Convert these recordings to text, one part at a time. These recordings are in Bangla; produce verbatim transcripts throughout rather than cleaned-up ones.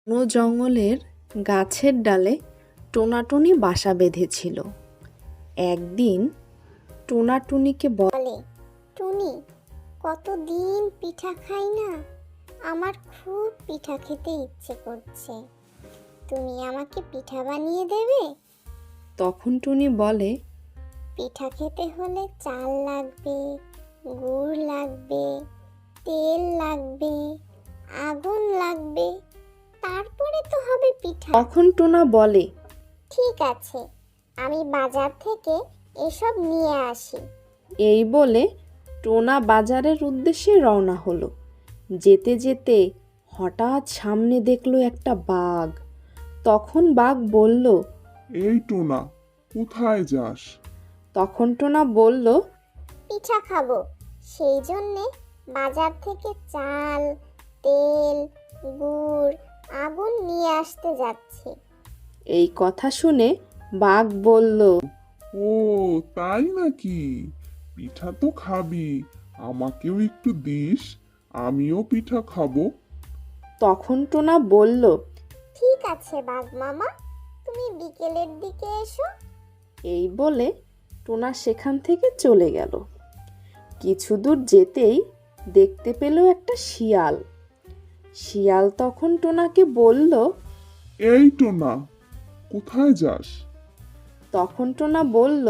ঘন জঙ্গলের গাছের ডালে টোনাটুনি বাসা বেঁধেছিল। একদিন টোনা টুনিকে বলে, টুনি, কতদিন পিঠা খাই না, আমার খুব পিঠা খেতে ইচ্ছে করছে, তুমি আমাকে পিঠা বানিয়ে দেবে? তখন টুনি বলে, পিঠা খেতে হলে চাল লাগবে, গুড় লাগবে, তেল লাগবে, আগুন লাগবে, তারপরে তো হবে পিঠা। তখন টোনা বলে, ঠিক আছে, আমি বাজার থেকে এসব নিয়ে আসি। এই বলে টোনা বাজারের উদ্দেশ্যে রওনা হলো। যেতে যেতে হঠাৎ সামনে দেখলো একটা বাঘ। তখন বাঘ বলল, এই টোনা, কোথায় যাস? তখন টোনা বলল, পিঠা খাবো, সেই জন্যে বাজার থেকে চাল, তেল, গুড়, আগুন নিয়ে আসতে যাচ্ছি। এই কথা শুনে বাঘ বলল, ও তাই নাকি? পিঠা তো খাবি, আমাকেও একটু দিস, আমিও পিঠা খাবো। তখন টোনা বলল, ঠিক আছে বাঘ মামা, তুমি বিকেলের দিকে এসো। এই বলে টোনা সেখান থেকে চলে গেল। কিছু দূর যেতেই দেখতে পেল একটা শিয়াল। শিয়াল তখন টোনাকে বলল, এই টোনা, কোথায় যাস? তখন টোনা বলল,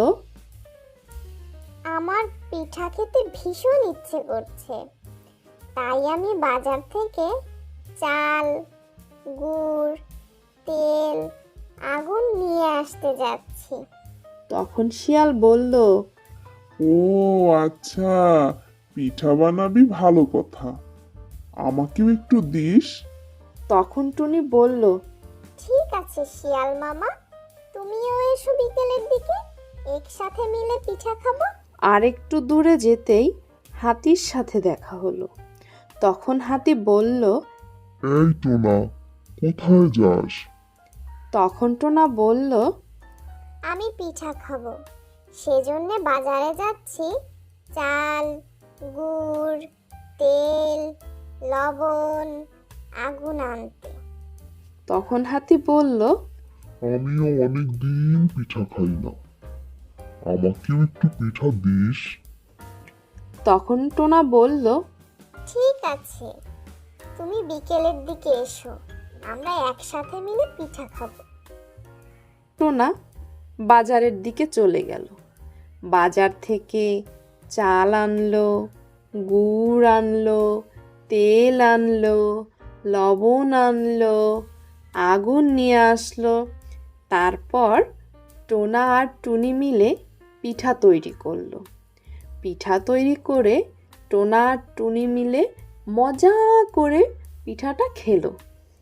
আমার পিঠা খেতে ভীষণ ইচ্ছে করছে, তাই আমি বাজার থেকে চাল, গুড়, তেল, আগুন নিয়ে আসতে যাচ্ছি। তখন শিয়াল বলল, ও আচ্ছা, পিঠা বানাবি, ভালো কথা, আমাকেও একটু দিস। তখন টুনি বলল, ঠিক আছে শিয়াল মামা, তুমিও এসো বিকেলের দিকে, একসাথে মিলে পিঠা খাবো। আর একটু দূরে যেতেই হাতির সাথে দেখা হলো। তখন হাতি বলল, এই টোনা, কোথায় যাস? তখন টোনা বলল, আমি পিঠা খাবো, সেজন্যে বাজারে যাচ্ছি চাল, গুড়, তেল, লবণ, আগুন আনতে। তখন হাতি বলল, আমিও অনেক দিন পিঠা খাই না, আমাকেও একটু পিঠা দিস। তখন টোনা বলল, ঠিক আছে, তুমি বিকেলের দিকে এসো, আমরা একসাথে মিলে পিঠা খাবো। টোনা বাজারের দিকে চলে গেল। বাজার থেকে চাল আনলো, গুড় আনলো, তেল আনলো, লবণ আনলো, আগুন নিয়ে আসলো। তারপর টোনা আর টুনি মিলে পিঠা তৈরি করলো। পিঠা তৈরি করে টোনা আর টুনি মিলে মজা করে পিঠাটা খেলো।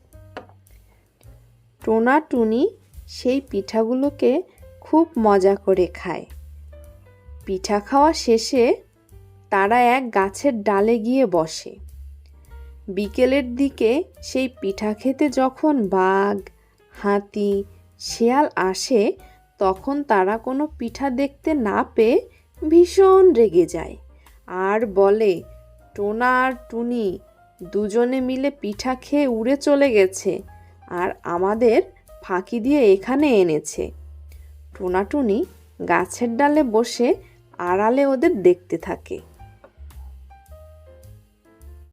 টোনা টুনি সেই পিঠাগুলোকে খুব মজা করে খায়। পিঠা খাওয়া শেষে তারা এক গাছের ডালে গিয়ে বসে। বিকেলের দিকে সেই পিঠা খেতে যখন বাঘ, হাতি, শিয়াল আসে, তখন তারা কোনো পিঠা দেখতে না পেয়ে ভীষণ রেগে যায় আর বলে, টোনা আর টুনি দুজনে মিলে পিঠা খেয়ে উড়ে চলে গেছে আর আমাদের ফাঁকি দিয়ে এখানে এনেছে। টোনা টুনি গাছের ডালে বসে আড়ালে ওদের দেখতে থাকে।